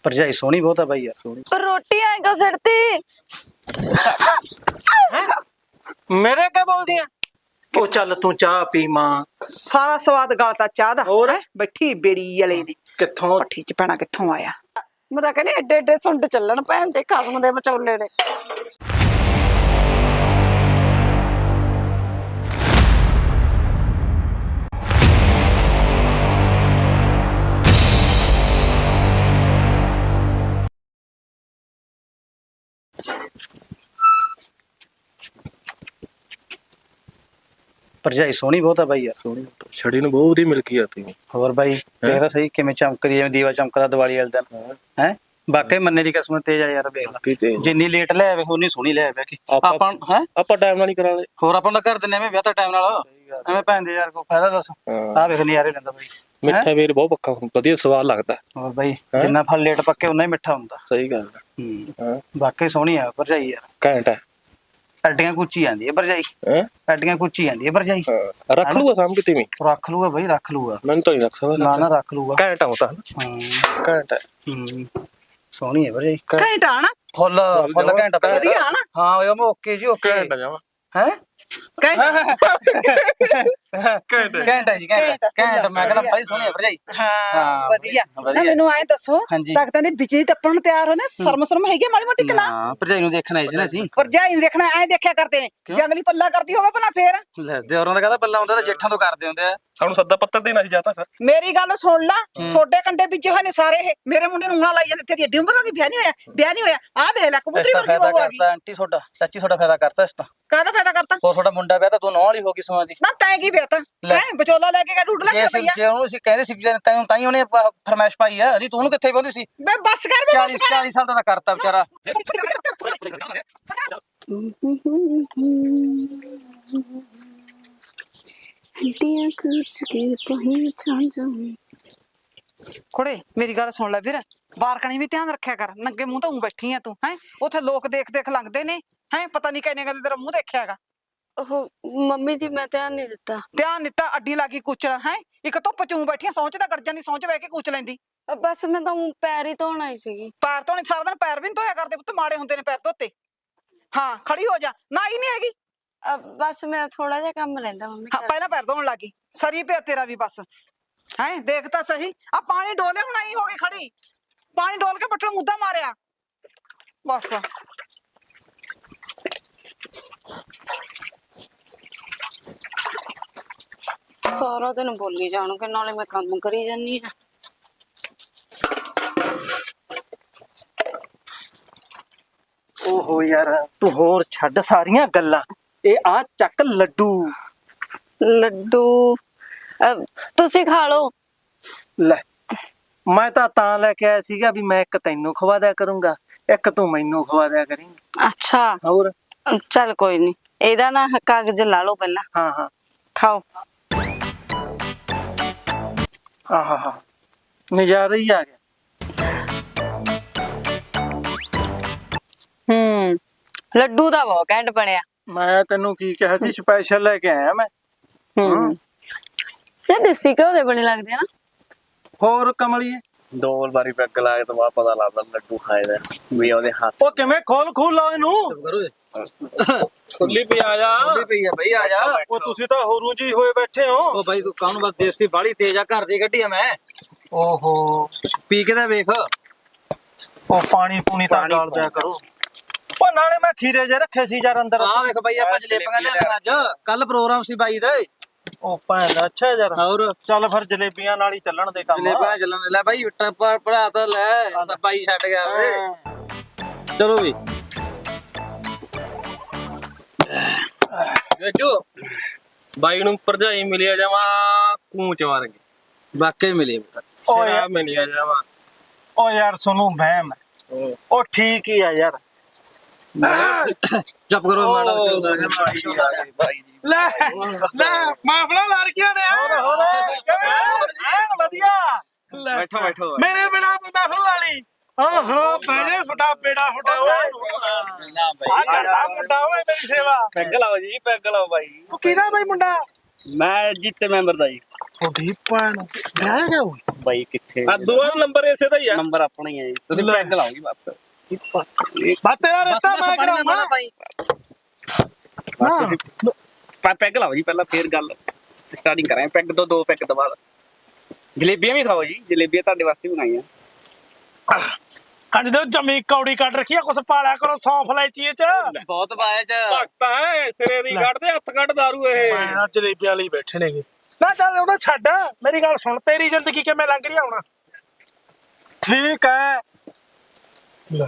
ਭਰਜਾਈ ਸੋਹਣੀ ਬਹੁਤ ਆ ਬਾਈ ਯਾਰ। ਸੋਹਣੀ पर रोटी आएगा सड़ती। ਮੇਰੇ ਕੀ ਬੋਲਦੀ ਆ? ਉਹ ਚੱਲ ਤੂੰ ਚਾਹ ਪੀ ਮਾਂ। ਸਾਰਾ ਸਵਾਦ ਗਲਤਾ ਚਾਹ ਦਾ ਹੋਰ? ਹੈਂ? ਬੈਠੀ ਬੇੜੀ ਵਾਲੇ ਦੀ ਕਿੱਥੋਂ? ਪੱਠੀ ਚ ਪੈਣਾ ਕਿੱਥੋਂ ਆਇਆ। मैं तो कहनी एडे एडे सुंड चलन भैन दे खसम दे विचोले ने। ਭਰਜਾਈ ਸੋਹਣੀ ਬਹੁਤ ਆ ਬਾਈ ਯਾਰ। ਸੋਹਣੀ ਛੜੀ ਨੂੰ ਬਹੁਤ ਹੀ ਮਿਲ ਗਈ ਆ ਤੀ। ਹੋਰ ਬਾਈ ਦੇਖ ਤਾਂ ਸਹੀ ਕਿਵੇਂ ਚਮਕਦੀ ਜਿਵੇਂ ਦੀਵਾ ਚਮਕਦਾ ਦੀਵਾਲੀ ਵਾਲੇ ਦਿਨ ਹੈ। ਵਾਕਈ ਮੰਨੇ ਦੀ ਕਸਮ ਤੇਜ ਆ ਯਾਰ। ਵੇਖ ਲਾ ਕਿਤੇ ਜਿੰਨੀ ਲੇਟ ਲੈ ਆਵੇ ਉਨੀ ਸੋਹਣੀ ਲੈ ਆਵੇ ਕਿ ਆਪਾਂ ਹੈ। ਆਪਾਂ ਟਾਈਮ ਨਾਲ ਹੀ ਕਰਾ ਲੈ। ਹੋਰ ਆਪਾਂ ਨੂੰ ਕਰ ਦਿੰਨੇ ਐਵੇਂ ਵਿਆਹ ਤਾਂ ਟਾਈਮ ਨਾਲ ਐਵੇਂ ਭੈਣ ਦੇ ਯਾਰ ਕੋਈ ਫਾਇਦਾ ਦੱਸ। ਆਹ ਵੇਖ ਨਜ਼ਾਰੇ ਲੈਂਦਾ ਬਾਈ। ਮਿੱਠਾ ਵੀਰ ਬਹੁਤ ਪੱਕਾ ਵਧੀਆ ਸਵਾਦ ਲੱਗਦਾ। ਹੋਰ ਬਾਈ ਜਿੰਨਾ ਫਲ ਲੇਟ ਪੱਕੇ ਉਨਾ ਹੀ ਮਿੱਠਾ ਹੁੰਦਾ। ਸਹੀ ਗੱਲ ਹਾਂ ਵਾਕਈ ਸੋਹਣੀ ਆ ਭਰਜਾਈ ਯਾਰ। ਘੈਂਟ ਹੈ। ਅੱਡੀਆਂ ਕੁੱਚੀ ਜਾਂਦੀ ਹੈ ਭਰਜਾਈ। ਅੱਡੀਆਂ ਕੁੱਚੀ ਜਾਂਦੀ ਹੈ ਭਰਜਾਈ। ਰੱਖ ਲੂਗਾ ਸਾਂਭ ਕਿਤੇ ਵੀ। ਰੱਖ ਲੂਗਾ ਬਾਈ ਰੱਖ ਲੂਗਾ। ਮੈਨੂੰ ਤਾਂ ਨਹੀਂ ਰੱਖ ਸਕਦਾ। ਨਾ ਨਾ ਰੱਖ ਲੂਗਾ। ਘੈਂਟ ਆਉਂਦਾ ਹਾਂ ਘੈਂਟ ਹੈ। ਸੋਹਣੀ ਹੈ ਭਰਜਾਈ। ਘੰਟਾ ਆਣਾ ਫੁੱਲ ਫੁੱਲ ਘੰਟਾ ਪੈ ਵਧੀਆ ਆਣਾ। ਹਾਂ ਉਹ ਮੈਂ ਓਕੇ ਜੀ ਓਕੇ। ਘੈਂਟ ਜਾਵਾ ਹੈ ਘੈਂਟ ਘੰਟਾ ਜੀ ਘੰਟਾ ਘੰਟਾ। ਮੈਂ ਕਹਿੰਦਾ ਬੜੀ ਸੋਹਣੀ ਹੈ ਭਰਜਾਈ। ਹਾਂ ਵਧੀਆ ਨਾ। ਮੈਨੂੰ ਐਂ ਦੱਸੋ ਤਖਤਾਂ ਦੀ ਬਿਜਲੀ ਟੱਪਣ ਨੂੰ ਤਿਆਰ ਹੋ ਨਾ। ਸ਼ਰਮ ਹੈਗੀ ਮਾੜੀ ਮੋਟੀ ਕਿ ਨਾ? ਹਾਂ ਭਰਜਾਈ ਨੂੰ ਦੇਖਣ ਆਏ ਸੀ ਨਾ ਅਸੀਂ। ਭਰਜਾਈ ਨੂੰ ਦੇਖਣਾ ਐਂ ਦੇਖਿਆ ਕਰਦੇ ਨੇ। ਜੰਗਲੀ ਪੱਲਾ ਕਰਦੀ ਹੋਵੇ ਭਲਾ ਫੇਰ। ਲੈ ਦਿਓਰਾਂ ਦਾ ਕਹਦਾ ਪੱਲਾ ਹੁੰਦਾ ਤਾਂ ਜੇਠਾਂ ਤੋਂ ਕਰਦੇ ਹੁੰਦੇ ਆ। ਸਾਨੂੰ ਸੱਦਾ ਪੱਤਰ ਦੇਣਾ ਸੀ ਜਾਂਦਾ ਫਿਰ। ਮੇਰੀ ਗੱਲ ਸੁਣ ਲਾ। ਛੋਟੇ ਕੰਡੇ ਬੀਜੇ ਹੋਏ ਨੇ ਸਾਰੇ ਇਹ। ਮੇਰੇ ਮੁੰਡੇ ਨੂੰ ਉਂਗਲਾਂ ਲਾਈ ਜਾਂਦੇ। ਤੇਰੀ ਏਡੀ ਉਮਰ ਹੋ ਗਈ ਵਿਆਹ ਨਹੀਂ ਹੋਇਆ ਵਿਆਹ ਨਹੀਂ ਹੋਇਆ। ਆਹ ਦੇਖ ਲੈ ਕਬੂਤਰੀ ਵਰਗੀ ਫਾਇਦਾ ਬਹੂ ਆ ਗਈ। ਕਰਤਾ ਆਂਟੀ ਤੁਹਾਡਾ ਚਾਚੀ ਤੁਹਾਡਾ ਫਾਇਦਾ ਕਰਤਾ ਇਸ ਤਾਂ। ਕਾਹਦਾ ਫਾਇਦਾ ਕਰਤਾ? ਹੋਰ ਤੁਹਾਡਾ ਮੁੰਡਾ ਵਿਆਹ ਤਾਂ ਤੂੰ ਨੌ ਵਾਲੀ ਹੋ ਗਈ ਸਮਾਂ ਦੀ। ਨਾ ਤੈਂ ਕੀ ਵਿਆਹ ਤਾਂ ਲੈ। ਹੈ ਵਿਚੋਲਾ ਲੈ ਕੇ ਢੂਡ ਲੈ ਜੇ ਕੇ ਅਸੀਂ ਪਈਆ। ਜੇ ਉਹਨੂੰ ਅਸੀਂ ਕਹਿੰਦੇ ਸੀ ਤੈਨੂੰ ਤਾਂ ਹੀ ਉਹਨੇ ਫਰਮਾਇਸ਼ ਪਾਈ ਆ। ਨਹੀਂ ਤੂੰ ਉਹਨੂੰ ਕਿੱਥੇ ਪਾਉਂਦੀ ਸੀ? ਬੇ ਬੱਸ ਕਰ ਬੇ 40 40 ਸਾਲ ਦਾ ਤਾਂ ਕਰਤਾ ਵਿਚਾਰਾ। हड्डियां कुछ के पहचान जाऊं। ਕੁੜੇ ਮੇਰੀ ਗੱਲ ਸੁਣ ਲੈ ਵੀਰ। ਬਾਰਕਣੀ ਵੀ ਧਿਆਨ ਰੱਖਿਆ ਕਰ। ਨੰਗੇ ਮੂੰਹ ਤਾਂ ਉਂ ਬੈਠੀ ਆ ਤੂੰ ਹੈ। ਉੱਥੇ ਲੋਕ ਦੇਖ ਦੇਖ ਲੰਘਦੇ ਨੇ ਹੈ। ਪਤਾ ਨਹੀਂ ਕਿੰਨੇ ਕਦੇ ਤੇਰਾ ਮੂੰਹ ਦੇਖਿਆ ਹੈਗਾ। ओहो मम्मी जी मैं ध्यान नहीं देता। ਧਿਆਨ ਦਿੱਤਾ ਅੱਡੀ ਲੱਗੀ ਕੁਚਲਾ ਹੈ। ਇੱਕ ਧੁੱਪ ਚੂੰ ਬੈਠੀਆਂ ਸੌਂਚ ਤਾਂ ਗੜ ਜਾਂਦੀ। ਸੌਂਚ ਬਹਿ ਕੇ ਕੁਚ ਲੈਂਦੀ। बस मैं तो पैर ही धोना ही सी। ਪੈਰ ਧੋਣੇ ਸਾਰਾ ਦਿਨ ਪੈਰ ਵੀ ਨੀ ਧੋਇਆ ਕਰਦੇ ਪੁੱਤ। ਮਾੜੇ ਹੁੰਦੇ ਨੇ ਪੈਰ ਧੋਤੇ। ਹਾਂ ਖੜੀ ਹੋ ਜਾ। ਨਾ ਹੀ ਨਹੀਂ ਹੈਗੀ। बस मैं थोड़ा जा काम रहंदा मम्मी। ਹਾਂ ਪਹਿਲਾਂ ਪੈਰ ਧੋਣ ਲੱਗੀ। ਸਰੀ ਪਿਆ ਤੇਰਾ ਵੀ ਬਸ ਹੈ। ਦੇਖ ਤਾਂ ਸਹੀ ਆ ਪਾਣੀ ਡੋਲੇ ਹੁਣ ਆਈ ਹੋ ਗਈ ਖੜੀ। ਪਾਣੀ ਡੋਲ ਕੇ ਪੱਟਲ ਮੁੱਦਾ ਮਾਰਿਆ ਬਸ। सारा दिन बोली जाणगे नाले मैं काम करी जानी है। ਓਹੋ ਯਾਰ ਤੂੰ ਹੋਰ ਛੱਡ ਸਾਰੀਆਂ ਗੱਲਾਂ। ਇਹ ਆ ਚੱਕ ਲੱਡੂ। लड्डू तुसी खा लो। ਲੈ ਮੈਂ ਤਾਂ ਲੈ ਕੇ ਆਇਆ ਸੀਗਾ ਵੀ ਮੈਂ ਇੱਕ ਤੈਨੂੰ ਖਵਾ ਦਿਆ ਕਰੂੰਗਾ ਇੱਕ ਤੂੰ ਮੈਨੂੰ ਖਵਾ ਦਿਆ ਕਰੀਂ। अच्छा ਹੋਰ चल कोई नहीं। एदा ना कागज ला लो पहला। ਹਾਂ ਹਾਂ खाओ। ਆਹਾ ਨਜ਼ਾਰਾ ਹੀ ਆ ਗਿਆ। लड्डू दा बहुत घैंट बनया। ਮੈਂ ਤੈਨੂੰ ਕੀ ਕਿਹਾ ਸੀ ਸਪੈਸ਼ਲ ਲੈ ਕੇ ਆਇਆ ਮੈਂ। ये देसी घ्यो दे बने लगदे ना। ਹੋਰ ਕਮਲੀਏ ਦੋ ਵਾਰੀ ਪੈਗ ਲਾ ਕੇ ਤਾਂ ਬਾਅਦ ਪਤਾ ਲੱਗਦਾ ਲੱਡੂ ਖਾਏ ਦਾ ਵੀ ਉਹਦੇ ਹੱਥ। ਉਹ ਕਿਵੇਂ ਖੋਲ ਲਾਓ ਇਹਨੂੰ। ਖੁੱਲੀ ਪਈ ਆ ਜਾ। ਖੁੱਲੀ ਪਈ ਆ ਬਈ ਆ ਜਾ। ਉਹ ਤੁਸੀਂ ਤਾਂ ਹੋਰੂ ਜੀ ਹੋਏ ਬੈਠੇ ਹੋ। ਉਹ ਬਾਈ ਕਾਹਨੂੰ ਬਸ ਦੇਸੀ ਬਾੜੀ ਤੇਜ਼ ਆ। ਘਰ ਦੀ ਕੱਢੀ ਆ ਮੈਂ। ਓਹੋ ਪੀ ਕੇ ਤਾਂ ਵੇਖ। ਉਹ ਪਾਣੀ ਪੂਣੀ ਤਾਂ ਡਾਲ ਦਿਆ ਕਰੋ। ਉਹ ਨਾਲੇ ਮੈਂ ਖੀਰੇ ਜੇ ਰੱਖੇ ਸੀ ਯਾਰ ਅੰਦਰ। ਆਹ ਵੇਖ ਬਾਈ ਆਪਾਂ ਜਲੇਬੀਆਂ ਲਿਆਂਦੀਆਂ ਅੱਜ। ਕੱਲ ਪ੍ਰੋਗਰਾਮ ਸੀ ਬਾਈ ਦਾ। ਉਹ ਭੈਣ ਅੱਛਾ ਯਾਰ। ਹੋਰ ਚੱਲ ਫਿਰ ਜਲੇਬੀਆਂ ਨਾਲ ਹੀ ਚੱਲਣ ਦੇ ਕੰਮ। ਜਲੇਬੀਆਂ ਚੱਲਣ ਦੇ। ਲੈ ਬਾਈ ਪੜਾ ਤਾਂ ਲੈ। ਬਾਈ ਛੱਡ ਗਿਆ ਵੇ। ਚਲੋ ਵੀ ਗੱਜੂ ਬਾਈ ਨੂੰ ਭਰਜਾਈ ਮਿਲਿਆ ਜਾਵਾ ਕੂਚ ਵਰਗੇ। ਵਾਕਈ ਮਿਲੇ। ਸਿਰਾ ਮਿਲਿਆ ਜਾਵਾ। ਉਹ ਯਾਰ ਸੁਣੂ ਵਹਿਮ ਹੈ। ਉਹ ਠੀਕ ਹੀ ਆ ਯਾਰ। ਚੁੱਪ ਕਰੋ ਮਾੜਾ ਬਾਈ ਜੀ ਲੈ ਲੈ ਮਾਫਲਾ ਲੜਕੀਆਂ ਨੇ। ਹੋਰ ਐਨ ਵਧੀਆ। ਬੈਠੋ ਬੈਠੋ। ਮੇਰੇ ਬਿਨਾ ਮਾਫਲ ਵਾਲੀ। ਓਹੋ ਬੈਠੇ ਛੋਟਾ ਬੇੜਾ ਛੋਟਾ ਓਏ। ਨਾ ਆ ਬਾਈ ਕਰਦਾ ਮੁੰਡਾ ਓਏ ਮੇਰੀ ਸੇਵਾ। ਪੈਗ ਲਾਓ ਜੀ ਪੈਗ ਲਾਓ ਬਾਈ। ਤੂੰ ਕਿਹਦਾ ਬਾਈ ਮੁੰਡਾ? ਮੈਂ ਜਿੱਤੇ ਮੈਂਬਰ ਦਾ ਜੀ ਤੁਹਾਡੀ ਭੈਣ ਵਿਆਹ ਗਿਆ ਹੋਈ ਬਾਈ ਕਿੱਥੇ ਆ ਦੂਆ ਨੰਬਰ ਇਸੇ ਦਾ ਹੀ ਆ। ਨੰਬਰ ਆਪਣਾ ਹੀ ਹੈ ਜੀ ਤੁਸੀਂ ਪੈਗ ਲਾਓ ਜੀ ਬਸ ਬਾ ਤੇਰਾ ਰਿਸ਼ਤਾ ਮੈਂ ਕਰਾਉਣਾ ਭਾਈ ਨਾ ਪੈਗ ਲਾਓ ਜੀ ਪਹਿਲਾਂ ਫੇਰ ਗੱਲ ਸਟਾਰਟਿੰਗ ਕਰਾਂਗੇ ਪੈਗ ਤੋਂ 2 ਪੈਗ ਤੋਂ ਬਾਅਦ ਜਲੇਬੀਆਂ ਵੀ ਖਾਓ ਜੀ ਜਲੇਬੀਆਂ ਤੁਹਾਡੇ ਵਾਸਤੇ ਬਣਾਈਆਂ ਕੰਜ ਦੇ ਜਮੀ ਕੌੜੀ ਕੱਢ ਰੱਖੀ ਆ ਕੁਛ ਪਾਲਿਆ ਕਰੋ ਸੌਂਫ ਲੈਚੀ ਚ ਬਹੁਤ ਪਾਇਆ ਚ ਭਗਤਾ ਹੈ ਸਿਰੇ ਦੀ ਕੱਢਦੇ ਹੱਥ ਕੱਢ ਦਾਰੂ ਇਹ। ਮੈਂ ਜਲੇਬੀਆਂ ਲਈ ਬੈਠੇ ਨੇਗੇ ਨਾ ਚੱਲ ਉਹਨਾਂ ਛੱਡ ਮੇਰੀ ਗੱਲ ਸੁਣ ਤੇਰੀ ਜ਼ਿੰਦਗੀ ਕਿਵੇਂ ਲੰਘ ਰਹੀ ਆ ਹੁਣ ਠੀਕ ਹੈ। ਲੈ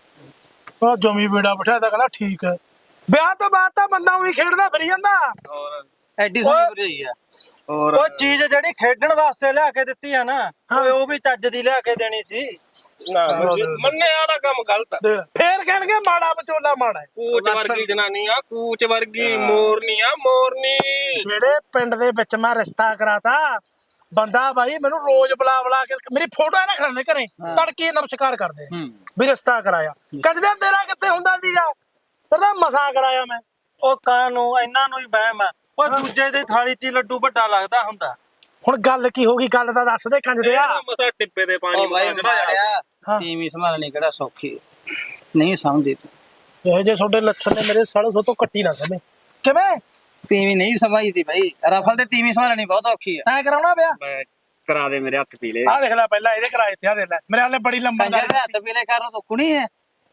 ਉਹ ਜਮੀ ਬੇੜਾ ਬਿਠਾਇਆ ਤਾਂ ਕਹਿੰਦਾ ਠੀਕ ਹੈ ਵਿਆਹ ਤੋਂ ਬਾਅਦ ਤਾਂ ਬੰਦਾ ਉਹੀ ਖੇਡਦਾ ਫਿਰੀ ਜਾਂਦਾ ਐਡੀ ਸੋਹਣੀ ਭਰਜਾਈ ਆ ਹੋਰ ਉਹ ਚੀਜ਼ ਜਿਹੜੀ ਖੇਡਣ ਵਾਸਤੇ ਲਿਆ ਕੇ ਦਿੱਤੀ ਆ ਨਾ ਓਏ ਉਹ ਵੀ ਚੱਜ ਦੀ ਲਿਆ ਕੇ ਦੇਣੀ ਸੀ। ਨਾ ਮੰਨਿਆ ਦਾ ਕੰਮ ਗਲਤ ਆ। ਫੇਰ ਕਹਿਣਗੇ ਮਾੜਾ ਵਿਚੋਲਾ ਮਾੜਾ ਹੈ। ਕੂਚ ਵਰਗੀ ਜਨਾਨੀ ਆ ਕੂਚ ਵਰਗੀ ਮੋਰਨੀ ਆ ਮੋਰਨੀ। ਜਿਹੜੇ ਪਿੰਡ ਦੇ ਵਿੱਚ ਮੈਂ ਰਿਸ਼ਤਾ ਕਰਾਤਾ ਬੰਦਾ ਬਾਈ ਮੈਨੂੰ ਰੋਜ਼ ਬੁਲਾ ਕੇ ਮੇਰੀ ਫੋਟੋ ਨਾ ਖੜਾਉਂਦੇ ਘਰੇ ਤੜਕੇ ਨਮਸਕਾਰ ਕਰਦੇ ਵੀ ਰਿਸ਼ਤਾ ਕਰਾਇਆ ਕਦੇ ਤੇਰਾ ਕਿੱਥੇ ਹੁੰਦਾ ਸੀਗਾ ਤੇਰਾ ਮਸਾਂ ਕਰਾਇਆ ਮੈਂ ਉਹ ਕਾਨੂੰ ਇਹਨਾਂ ਨੂੰ ਹੀ ਵਹਿਮ ਆ। ਉਹ ਦੂਜੇ ਦੀ ਥਾਲੀ 'ਚ ਹੀ ਲੱਡੂ ਵੱਡਾ ਲੱਗਦਾ ਹੁੰਦਾ। ਹੁਣ ਗੱਲ ਕੀ ਹੋ ਗਈ ਗੱਲ ਤਾਂ ਦੱਸ ਦੇ ਕੰਜਦੇ ਆ ਮਸਾ ਟਿੱਪੇ ਦੇ ਪਾਣੀ ਉਹ ਬਾਈ ਮਾਰਿਆ ਹਾਂ। ਟੀਵੀ ਸੰਭਾਲਣੀ ਕਿਹੜਾ ਸੌਖੀ ਨਹੀਂ ਸਮਝਦੇ ਇਹ ਜੇ ਤੁਹਾਡੇ ਲੱਛਣ ਨੇ ਮੇਰੇ ਸਾਲੇ ਸੋ ਤੋਂ ਕੱਟੀ ਨਾ ਸਮੇ ਕਿਵੇਂ ਟੀਵੀ ਨਹੀਂ ਸਮਝਦੀ ਬਾਈ ਰਫਲ ਤੇ ਟੀਵੀ ਸੰਭਾਲਣੀ ਬਹੁਤ ਔਖੀ ਆ ਐ ਕਰਾਉਣਾ ਪਿਆ ਮੈਂ ਕਰਾ ਦੇ ਮੇਰੇ ਹੱਥ ਪੀਲੇ ਆਹ ਦੇਖ ਲੈ ਪਹਿਲਾਂ ਇਹਦੇ ਕਰਾਏ ਤੇ ਆ ਦੇਖ ਲੈ ਮੇਰੇ ਹਾਲੇ ਬੜੀ ਲੰਬਾ ਕੰਜਰ ਦੇ ਹੱਥ ਪੀਲੇ ਕਰਨ ਤੋਂ ਕੁਣੀ ਹੈ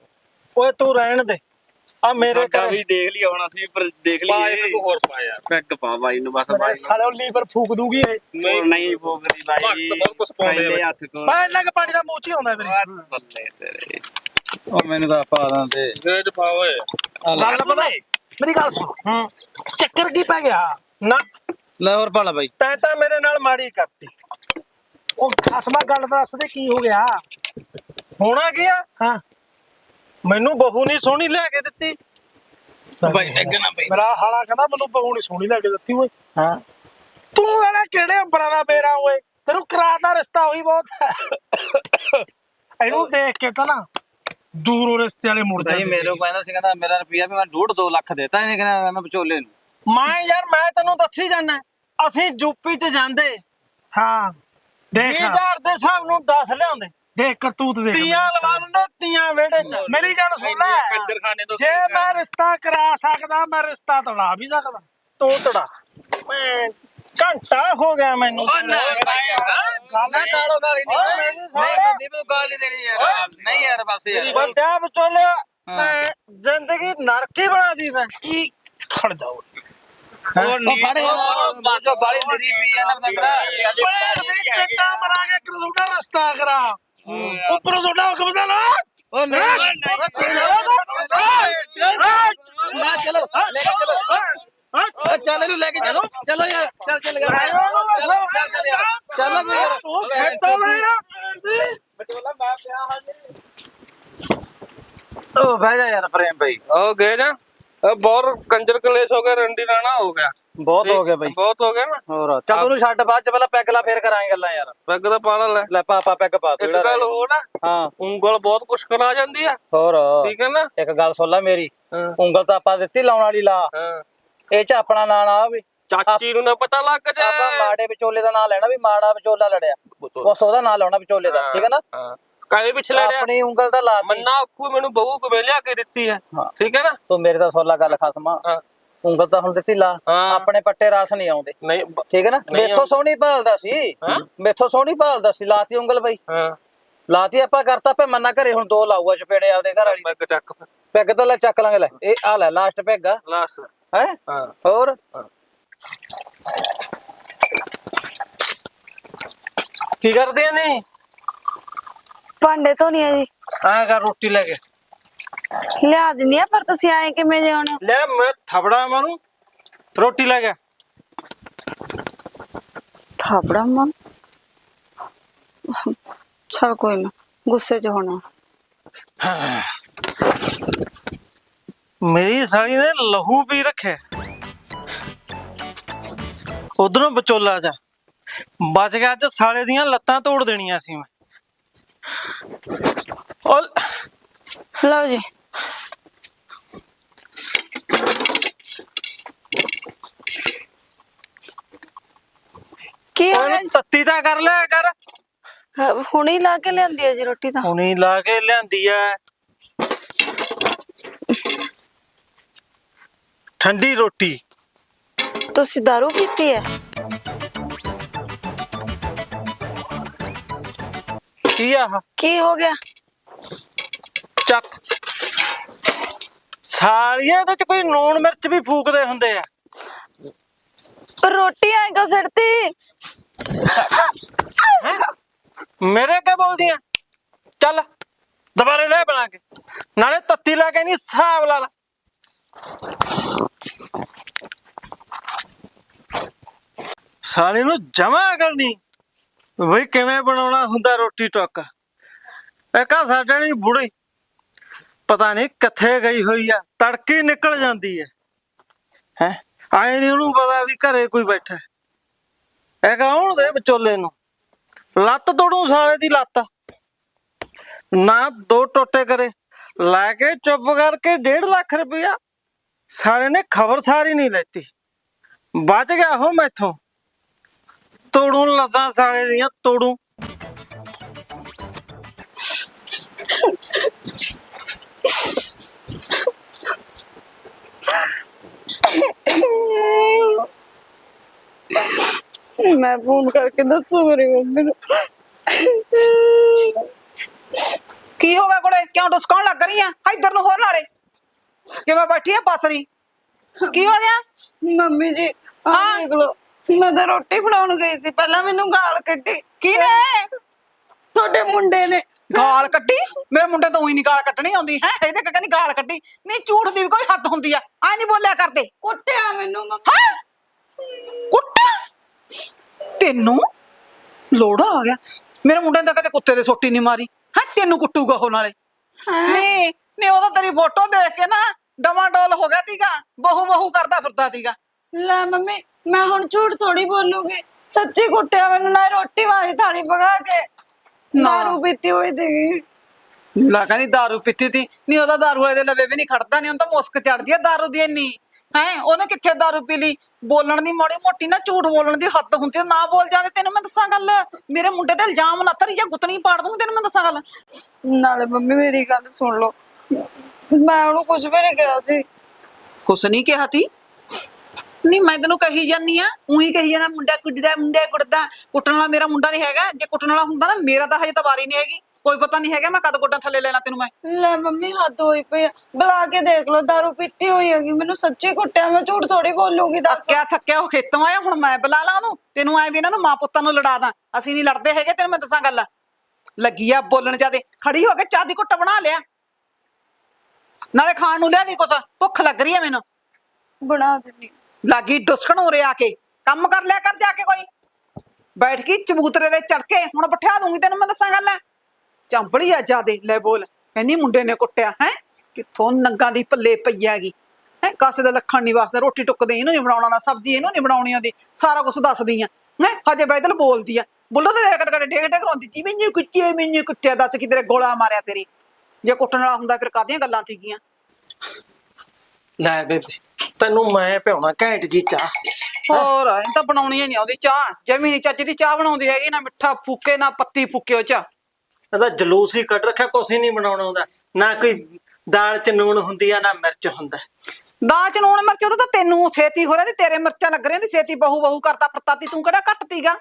ਓਏ ਤੂੰ ਰਹਿਣ ਦੇ ਆ ਮੇਰੇ ਸਾਡਾ ਘਰ ਵੀ ਦੇਖ ਲਿਆ ਹੁਣ ਅਸੀਂ ਪਰ ਦੇਖ ਪਾ ਲਈਏ ਇੱਕ ਹੋਰ ਪਾਇਆ। ਪੈਗ ਪਾ ਬਾਈ ਨੂੰ ਬਸ ਮੇਰੇ ਬਾਈ ਸਾਲੇ ਉਹ ਲੀਵਰ ਫੂਕ ਦੂਗੀ ਇਹ ਨਹੀਂ ਨਹੀਂ ਭੋਗਦੀ ਬਾਈ ਭਗਤ ਬਹੁਤ ਕੁਛ ਪਾਉਂਦੇ ਆ ਪਹਿਲੇ ਬਾਈ। ਹੱਥ ਕੋਲ ਮੈਂ ਇੰਨਾ ਕੁ ਪਾਣੀ ਦਾ ਮੂੰਹ ਚ ਹੀ ਆਉਂਦਾ ਮੇਰੇ ਬੱਲੇ ਤੇਰੇ ਉਹ ਮੈਨੂੰ ਤਾਂ ਪਾ ਦਾਂਦੇ ਗੇਜ ਪਾ ਓਏ। ਗੱਲ ਪਤਾ ਏ? ਮੇਰੀ ਗੱਲ ਸੁਣ ਚੱਕਰ ਕੀ ਪੈ ਗਿਆ ਨਾ ਲੈ ਹੋਰ ਪਾ ਲਾ ਬਾਈ ਤੈਂ ਤਾਂ ਮੇਰੇ ਨਾਲ ਮਾੜੀ ਕਰਤੀ। ਉਹ ਖਸਮਾ ਗੱਲ ਦੱਸ ਦੇ ਕੀ ਹੋ ਗਿਆ ਹੋਣਾ ਕੀ ਆ ਹਾਂ ਮੈਨੂੰ ਬਹੂ ਨਹੀਂ ਸੋਹਣੀ ਲਿਆ ਕੇ ਦਿੱਤੀ। ਬਾਈ ਡੱਗ ਨਾ ਬਾਈ ਮੇਰਾ ਹਾਲਾ ਕਹਿੰਦਾ ਮੈਨੂੰ ਬਹੂ ਨੀ ਸੋਹਣੀ ਲੱਗ ਦਿੱਤੀ ਓਏ ਹਾਂ ਤੂੰ ਇਹਦਾ ਕਿਹੜੇ ਅੰਬਰਾਂ ਦਾ ਬੇਰਾ ਓਏ ਤੈਨੂੰ ਕਰਾਤਾ ਰਿਸ਼ਤਾ ਹੋਈ ਬਹੁਤ ਇਹਨੂੰ ਦੇਖ ਕੇ ਤਾਂ ਨਾ ਦੂਰੋਂ ਰਿਸ਼ਤੇ ਵਾਲੇ ਮੁੜ ਬਾਈ ਜਾਂਦੇ ਮੇਰੇ ਕਹਿੰਦਾ ਸੀ ਕਹਿੰਦਾ ਮੇਰਾ ਰੁਪਿਆ ਵੀ ਮੈਂ 2.5 ਲੱਖ ਦੇਤਾ ਇਹਨੇ ਕਹਿੰਦਾ ਮੈਂ ਵਿਚੋਲੇ ਨੂੰ ਮੈਂ ਯਾਰ ਮੈਂ ਤੈਨੂੰ ਦੱਸੀ ਜਾਣਾ ਅਸੀਂ ਯੂਪੀ 'ਚ ਜਾਂਦੇ ਹਾਂ ਦੇਖ 20000 ਦੇ ਹਿਸਾਬ ਨੂੰ 10 ਲਿਆਉਂਦੇ ਦੇਖ ਕਰਤੂਤ ਦੇਖ ਤੀਆਂ ਲਵਾ ਦਿੰਦੇ ਤੀਆਂ ਵਿਹੜੇ 'ਚ। ਮੇਰੀ ਗੱਲ ਸੁਣ ਲੈ ਕੰਜਰਖਾਨੇ ਤੋਂ ਜੇ ਮੈਂ ਰਿਸ਼ਤਾ ਕਰਾ ਸਕਦਾ ਮੈਂ ਰਿਸ਼ਤਾ ਤੋੜਾ ਵੀ ਸਕਦਾ ਤੂੰ ਤੜਾ ਮੈਂ ਘੰਟਾ ਹੋ ਗਿਆ ਮੈਨੂੰ ਗੱਲ ਗਾਲੋ ਗਾਲੀ ਨਹੀਂ ਨਹੀਂ ਬੰਦੀ ਨੂੰ ਗਾਲੀ ਦੇਣੀ ਯਾਰ ਨਹੀਂ ਯਾਰ ਬਸ ਯਾਰ ਬੰਦਿਆ ਵਿਚੋਲਿਆ ਮੈਂ ਜ਼ਿੰਦਗੀ ਨਰਕੀ ਬਣਾ ਦੀ ਮੈਂ ਕੀ ਖੜ ਜਾਓ ਉਹ ਫੜੇ ਜੋ ਬਾਲੀ ਨਦੀ ਪੀ ਆ ਨਾ ਬੰਦਰਾ ਪੈਰ ਦੀ ਟੱਟਾ ਮਰਾਂਗੇ ਕਰੂਗਾ ਰਸਤਾ ਕਰਾ ਉੱਪਰੋਂ ਸੋਡਾ ਹੁਕਮ ਦਾ ਨਾ ਉਹ ਨਹੀਂ ਨਾ ਚਲੋ ਲੈ ਕੇ ਚਲੋ ਚੱਲ ਇਹਨੂੰ ਲੈ ਕੇ ਚਲੋ ਚਲੋ ਯਾਰ ਚੱਲ ਚੱਲ ਚੱਲ ਯਾਰ ਉਹ ਖੇਤੋਂ ਲੈ ਉਹ ਬਹਿ ਜਾ ਯਾਰ ਪ੍ਰੇਮ ਭਾਈ ਉਹ ਗਏ ਨਾ ਬਹੁਤ ਕੰਜਰ ਕਲੇਸ਼ ਹੋ ਗਿਆ ਰੰਡੀ ਰਾਣਾ ਹੋ ਗਿਆ। ਬਹੁਤ ਹੋ ਗਿਆ ਬਾਈ ਬਹੁਤ ਹੋ ਗਿਆ ਨਾ। ਹੋਰ ਚੱਲ ਉਹਨੂੰ ਛੱਡ ਬਾਅਦ 'ਚ ਪਹਿਲਾਂ ਪੈਗ ਲਾ ਫੇਰ ਕਰਾਂਗੇ ਗੱਲਾਂ ਯਾਰ। ਪੈਗ ਦਾ ਪਾਲਾ ਲੈ ਲੈ ਪਾਪਾ ਪੈਗ ਪਾ ਤੂੰ ਇੱਕ ਗੱਲ ਹੋਰ ਨਾ ਹਾਂ ਉਂਗਲ ਬਹੁਤ ਕੁਛ ਕਰਾ ਜਾਂਦੀ ਆ ਹੋਰ ਠੀਕ ਹੈ ਨਾ। ਇੱਕ ਗੱਲ ਸੁਣ ਲੈ ਮੇਰੀ ਹਾਂ ਉਂਗਲ ਤਾਂ ਆਪਾਂ ਦਿੱਤੀ ਲਾਉਣ ਵਾਲੀ ਲਾ ਹਾਂ ਇਹ 'ਚ ਆਪਣਾ ਨਾਂ ਨਾ ਆਵੇ ਚਾਚੀ ਨੂੰ ਨਾ ਪਤਾ ਲੱਗ ਜਾ ਆਪਾਂ ਮਾੜੇ ਵਿਚੋਲੇ ਦਾ ਨਾਂ ਲੈਣਾ ਵੀ ਮਾੜਾ ਵਿਚੋਲਾ ਲੜਿਆ ਬਸ ਉਹਦਾ ਨਾਂ ਲਾਉਣਾ ਵਿਚੋਲੇ ਦਾ ਠੀਕ ਹੈ ਨਾ। ਹਾਂ ਕਾਹਦੇ ਪਿੱਛੇ ਲੜਿਆ ਆਪਣੀ ਉਂਗਲ ਤਾਂ ਲਾ ਮੰਨਾ ਆਖੂ ਮੈਨੂੰ ਬਹੂ ਕਿਵੇਂ ਲਿਆ ਕੇ ਦਿੱਤੀ ਹੈ ਹਾਂ। ਠੀਕ ਹੈ ਨਾ। ਤੂੰ ਮੇਰੇ ਤਾਂ ਸੁਣ ਲੈ ਗੱਲ ਖਸਮਾ ਹਾਂ ਉਂਗਲ ਤਾਂ ਹੁਣ ਦਿੱਤੀ ਲਾ ਹਾਂ। ਆਪਣੇ ਪੱਟੇ ਰਸ ਨਹੀਂ ਆਉਂਦੇ ਨਹੀਂ ਠੀਕ ਹੈ ਨਾ ਨਹੀਂ ਮੇਥੋਂ ਸੋਹਣੀ ਭਾਲਦਾ ਸੀ ਹਾਂ। ਮੇਥੋਂ ਸੋਹਣੀ ਭਾਲਦਾ ਸੀ ਲਾਤੀ ਉਂਗਲ ਬਈ ਹਾਂ ਲਾਤੀ ਆਪਾਂ ਕਰਤਾ ਪੇ ਮੰਨਾ ਘਰੇ ਹੁਣ 2 ਲਾਊਗਾ ਚਪੇੜੇ ਆਪਦੇ ਘਰ ਵਾਲੀ ਪੈਗ ਚੱਕ ਪੈਗ ਤਾਂ ਲੈ ਚੱਕ ਲਾਂਗੇ ਲੈ ਇਹ ਆ ਲੈ ਲਾਸਟ ਪੈਗ ਆ ਲਾਸਟ ਹੈ ਹਾਂ ਹੋਰ ਕੀ ਕਰਦੇ ਨੇ ਭਾਂਡੇ ਧੋਣੀ ਆ ਜੀ ਆ ਕਰ ਰੋਟੀ ਲੈ ਕੇ ਲਿਆ ਦਿੰਦੀ ਆ ਪਰ ਤੁਸੀਂ ਆਏ ਕਿਵੇਂ ਜਾਣਾ ਲੈ ਮੈਂ ਥਪੜਾ ਮਾਰੂ ਰੋਟੀ ਲੈ ਕੇ ਥਾਪੜਾ ਮਨ ਚਲ ਕੋਈ ਨਾ ਗੁੱਸੇ 'ਚ ਹੋਣਾ ਮੇਰੀ ਸਾਲੀ ਨੇ ਲਹੂ ਪੀ ਰੱਖਿਆ ਉਧਰੋਂ ਵਿਚੋਲਾ ਜਾ ਬਚ ਗਿਆ ਅੱਜ ਸਾਲੇ ਦੀਆਂ ਲੱਤਾਂ ਤੋੜ ਦੇਣੀਆਂ ਸੀ ਮੈਂ ਲਓ ਜੀ ਕੀ ਹੋ ਉਹਨੂੰ ਗਿਆ ਤੱਤੀ ਤਾਂ ਕਰ ਲਿਆ ਕਰ। ਹੁਣੀ ਲਾ ਕੇ ਲਿਆਂਦੀ ਹੈ ਜੀ ਰੋਟੀ ਤਾਂ। ਹੁਣੀ ਲਾ ਕੇ ਲਿਆਂਦੀ ਐ ਠੰਡੀ ਰੋਟੀ। ਤੁਸੀਂ ਦਾਰੂ ਪੀਤੀ ਹੈ? ਕੀ ਆ ਕੀ ਹੋ ਗਿਆ? ਚੱਕ ਸਾਲੀਏ, ਇਹਦੇ ਚ ਕੋਈ ਲੂਣ ਮਿਰਚ ਵੀ ਫੂਕਦੇ ਹੁੰਦੇ ਆ। ਰੋਟੀ ਆਏਗਾ ਸੜਤੀ। ਮੇਰੇ ਕੀ ਬੋਲਦੀ ਆ? ਚੱਲ ਦੁਬਾਰੇ ਲੈ ਬਣਾ ਕੇ, ਨਾਲੇ ਤੱਤੀ ਲਾ ਕੇ ਨਹੀਂ ਹਿਸਾਬ ਲਾ ਲਾ। ਸਾਲੇ ਨੂੰ ਜਮਾ ਕਰਨੀ ਬਈ ਕਿਵੇਂ ਬਣਾਉਣਾ ਹੁੰਦਾ ਰੋਟੀ ਟੁੱਕ। ਇੱਕ ਆ ਸਾਡੇ ਨਹੀਂ ਬੁੜੀ ਪਤਾ ਨਹੀਂ ਕਿੱਥੇ ਗਈ ਹੋਈ ਆ, ਤੜਕੇ ਹੀ ਨਿਕਲ ਜਾਂਦੀ ਹੈ। ਹੈ ਆਏ ਨਹੀਂ ਉਹਨੂੰ ਪਤਾ ਵੀ ਘਰੇ ਕੋਈ ਬੈਠਾ। ਇਹ ਕੌਣ ਦੇ ਵਿਚੋਲੇ ਨੂੰ ਲੱਤ ਤੋੜੂ ਸਾਲੇ ਦੀ ਲੱਤ ਨਾ, ਦੋ ਟੋਟੇ ਕਰੇ ਲੈ ਕੇ ਚੁੱਪ ਕਰਕੇ 1.5 ਲੱਖ ਰੁਪਇਆ। ਸਾਲੇ ਨੇ ਖਬਰ ਸਾਰੀ ਨਹੀਂ ਲੈਤੀ, ਬਚ ਗਿਆ ਹੋ ਮੈਥੋਂ। ਤੋੜੂ ਲੱਤਾਂ ਸਾਲੇ ਦੀਆਂ ਤੋੜੂ। ਮੈਂ ਫੋਨ ਕਰਕੇ ਦੱਸੂ ਮੇਰੀ ਮੰਮੀ ਨੂੰ। ਕੀ ਹੋ ਗਿਆ ਕੁੜੇ, ਕਿਉਂ ਡੁਸਕਾਉਣ ਲੱਗ ਰਹੀ ਆ? ਇੱਧਰ ਨੂੰ ਹੋਰ ਨਾਲੇ ਕਿਵੇਂ ਬੈਠੀ ਆ ਬਸਰੀ? ਕੀ ਹੋ ਗਿਆ? ਮੰਮੀ ਜੀ ਆਹ ਦੇਖ ਲੋ, ਮੈਂ ਤਾਂ ਰੋਟੀ ਬਣਾਉਣ ਗਈ ਸੀ, ਪਹਿਲਾਂ ਮੈਨੂੰ ਗਾਲ ਕੱਢੀ। ਕਿਹਨੇ? ਤੁਹਾਡੇ ਮੁੰਡੇ ਨੇ। ਗਾਲ ਕੱਢੀ? ਮੇਰੇ ਮੁੰਡੇ ਤੋਂ ਉਹੀ ਨਹੀਂ ਗਾਲ ਕੱਢਣੀ ਆਉਂਦੀ ਹੈ। ਇਹਦੇ ਕਹਿੰਦੀ ਗਾਲ ਕੱਢੀ ਨਹੀਂ, ਝੂਠ ਦੀ ਵੀ ਕੋਈ ਹੱਦ ਹੁੰਦੀ ਆ। ਐ ਨਹੀਂ ਬੋਲਿਆ ਕਰਦੇ। ਕੁੱਟਿਆ ਮੈਨੂੰ ਮੰਮੀ। ਕੁੱਟਾ ਤੈਨੂੰ? ਲੋੜਾ ਆ ਗਿਆ। ਮੇਰੇ ਮੁੰਡੇ ਨੇ ਤਾਂ ਕਦੇ ਕੁੱਤੇ ਦੇ ਸੋਟੀ ਨਹੀਂ ਮਾਰੀ ਹੈ, ਤੈਨੂੰ ਕੁੱਟੂਗਾ ਉਹ ਨਾਲੇ। ਨਹੀਂ ਨਹੀਂ, ਉਹਦਾ ਤੇਰੀ ਫੋਟੋ ਦੇਖ ਕੇ ਨਾ ਡਮਾਡੋਲ ਹੋ ਗਿਆ ਤੀਗਾ, ਬਹੂ ਬਹੂ ਕਰਦਾ ਫਿਰਦਾ ਤੀਗਾ। ਲੈ ਮੰਮੀ, ਮੈਂ ਹੁਣ ਝੂਠ ਥੋੜੀ ਬੋਲੂਗੀ, ਸੱਚੀ ਕੁੱਟਿਆ ਮੈਨੂੰ ਨਾ, ਰੋਟੀ ਵਾਲੀ ਥਾਲੀ ਪਕਾ ਕੇ। ਦਾਰੂ ਪੀਤੀ ਹੋਈ ਸੀਗੀ। ਲਾ ਕਹਿੰਦੀ ਦਾਰੂ ਪੀਤੀ ਤੀ ਨਹੀਂ, ਉਹਦਾ ਦਾਰੂ ਵਾਲੇ ਦੇ ਲਵੇ ਵੀ ਨਹੀਂ ਖੜਦਾ, ਨਹੀਂ ਉਹਨੂੰ ਤਾਂ ਮੁਸਕ ਚੜਦੀ ਆ ਦਾਰੂ ਦੀ ਇੰਨੀ। ਹੈ ਉਹਨੇ ਕਿੱਥੇ ਦਾਰੂ ਪੀ ਲਈ? ਬੋਲਣ ਦੀ ਮਾੜੀ ਮੋਟੀ ਨਾ, ਝੂਠ ਬੋਲਣ ਦੀ ਹੱਦ ਹੁੰਦੀ ਆ, ਨਾ ਬੋਲ ਜਾਂਦੇ। ਤੈਨੂੰ ਮੈਂ ਦੱਸਾਂ ਗੱਲ, ਮੇਰੇ ਮੁੰਡੇ ਤੇ ਇਲਜ਼ਾਮ ਨਾ ਧਰੀ ਜਾਂ ਗੁੱਤਣੀ ਪਾੜ ਦੂੰਗੀ। ਤੈਨੂੰ ਮੈਂ ਦੱਸਾਂ ਗੱਲ। ਨਾਲੇ ਮੰਮੀ ਮੇਰੀ ਗੱਲ ਸੁਣ ਲਓ, ਮੈਂ ਉਹਨੂੰ ਕੁਝ ਵੀ ਨਹੀਂ ਕਿਹਾ ਸੀ। ਕੁਛ ਨਹੀਂ ਕਿਹਾ ਤੀ? ਨਹੀਂ ਮੈਂ ਤੈਨੂੰ ਕਹੀ ਜਾਨੀ ਆ, ਉਹੀ ਕਹੀ ਜਾਂਦਾ ਮੁੰਡਾ ਕੁੱਟਦਾ, ਮੁੰਡਾ ਕੁੱਟਦਾ। ਕੁੱਟਣ ਵਾਲਾ ਮੇਰਾ ਮੁੰਡਾ ਨਹੀਂ ਹੈਗਾ। ਜੇ ਕੁੱਟਣ ਵਾਲਾ ਹੁੰਦਾ ਨਾ, ਮੇਰਾ ਤਾਂ ਹਜੇ ਤਾਂ ਵਾਰੀ ਨਹੀਂ ਹੈਗੀ। ਕੋਈ ਪਤਾ ਨਹੀਂ ਹੈਗਾ ਮੈਂ ਕਦ ਗੋਡਾਂ ਥੱਲੇ ਲੈਣਾ ਤੈਨੂੰ ਮੈਂ। ਲੈ ਮੰਮੀ ਹੱਦ ਹੋਈ ਪਈ ਆ, ਬੁਲਾ ਕੇ ਦੇਖ ਲਓ, ਦਾਰੂ ਪੀਤੀ ਹੋਈ ਹੈਗੀ। ਮੈਨੂੰ ਸੱਚੀ ਕੁੱਟਿਆ, ਮੈਂ ਝੂਠ ਥੋੜੀ ਬੋਲੂਗੀ। ਦੱਸ ਥੱਕਿਆ ਥੱਕਿਆ ਉਹ ਖੇਤੋਂ ਆਇਆ, ਹੁਣ ਮੈਂ ਬੁਲਾ ਲਾ ਉਹਨੂੰ? ਤੈਨੂੰ ਐ ਵੀ ਇਹਨਾਂ ਨੂੰ ਮਾਂ ਪੁੱਤਾਂ ਨੂੰ ਲੜਾ ਦਾਂ? ਅਸੀਂ ਨਹੀਂ ਲੜਦੇ ਹੈਗੇ। ਤੈਨੂੰ ਮੈਂ ਦੱਸਾਂ ਗੱਲ, ਲੱਗੀ ਆ ਬੋਲਣ ਜਾਦੇ। ਖੜੀ ਹੋ ਕੇ ਚਾਹ ਦੀ ਘੁੱਟ ਬਣਾ ਲਿਆ, ਨਾਲੇ ਖਾਣ ਨੂੰ ਲਿਆ ਦੀ ਕੁਛ, ਭੁੱਖ ਲੱਗ ਰਹੀ ਹੈ ਮੈਨੂੰ। ਬਣਾ ਦਿੰਨੀ। ਲੱਗੀ ਡੁਸਕਣ ਉਰੇ ਆ ਕੇ, ਕੰਮ ਕਰ ਲਿਆ ਕਰ ਜਾ ਕੇ। ਕੋਈ ਬੈਠ ਕੇ ਚਬੂਤਰੇ ਦੇ ਚੜ ਕੇ ਹੁਣ ਬਿਠਾ ਦੂੰਗੀ। ਤੈਨੂੰ ਮੈਂ ਦੱਸਾਂ ਗੱਲ, ਚੰਬੜੀ ਆ ਜਾਦੇ। ਲੈ ਬੋਲ, ਕਹਿੰਦੀ ਮੁੰਡੇ ਨੇ ਕੁੱਟਿਆ ਹੈ। ਕਿੱਥੋਂ ਨੰਗਾ ਦੀ ਪੱਲੇ ਪਈ ਹੈਗੀ ਹੈ, ਕਾਸੇ ਦਾ ਲੱਖਣ ਨਹੀਂ ਵਾਸਦਾ। ਰੋਟੀ ਟੁੱਕਦੇ ਇਹਨੂੰ ਨਹੀਂ ਬਣਾਉਣਾ, ਨਾ ਸਬਜ਼ੀ ਇਹਨੂੰ ਨਹੀਂ ਬਣਾਉਣੀ ਆਉਂਦੀ, ਸਾਰਾ ਕੁਝ ਦੱਸਦੀ ਆ ਹੈ। ਹਜੇ ਬੈਦਲ ਬੋਲਦੀ ਆ, ਬੁੱਲੋ ਤੇ ਕਟ ਕਟ ਡੇਗ ਡੇਗ ਰੋਂਦੀ ਜੀ, ਮੈਨੂੰ ਕੁੱਟਿਆ, ਮੈਨੂੰ ਕੁੱਟਿਆ। ਦੱਸ ਕਿ ਤੇਰੇ ਗੋਲਾ ਮਾਰਿਆ ਤੇਰੀ? ਜੇ ਕੁੱਟਣ ਵਾਲਾ ਹੁੰਦਾ ਫਿਰ ਕਾਹਦੀਆਂ ਗੱਲਾਂ ਸੀਗੀਆਂ? ਲੈ ਬੇਬੇ, ਤੈਨੂੰ ਮੈਂ ਪਿਆਉਣਾ ਘੈਂਟ ਜੀ ਚਾਹ। ਹੋਰ ਇਹ ਤਾਂ ਬਣਾਉਣੀ ਹੀ ਨਹੀਂ ਆਉਂਦੀ ਚਾਹ, ਜਮੀ ਨੀ ਚੱਜ ਦੀ ਚਾਹ ਬਣਾਉਂਦੀ ਹੈਗੀ। ਨਾ ਮਿੱਠਾ ਫੂਕੇ, ਨਾ ਪੱਤੀ ਫੂਕੇ ਉਹ ਚ। ਇਹਦਾ ਜਲੂਸ ਹੀ ਕੱਢ ਰੱਖਿਆ, ਕੁਛ ਹੀ ਨਹੀਂ ਬਣਾਉਣਾ ਹੁੰਦਾ। ਨਾ ਕੋਈ ਦਾਲ ਚ ਨੂਣ ਹੁੰਦੀ ਆ, ਨਾ ਮਿਰਚ ਹੁੰਦਾ। ਦਾਲ ਚ ਨੂਣ ਮਿਰਚ ਉਹਦਾ ਤਾਂ ਤੈਨੂੰ ਛੇਤੀ ਹੋ ਰਿਹਾ ਤੇ ਤੇਰੇ ਮਿਰਚਾਂ ਲੱਗ ਰਹੀਆਂ ਦੀ ਛੇਤੀ ਬਹੂ ਬਹੂ ਕਰਦਾ ਫਿਰਦਾ ਤੀ। ਤੂੰ ਕਿਹੜਾ ਘੱਟ ਤੀਗਾ?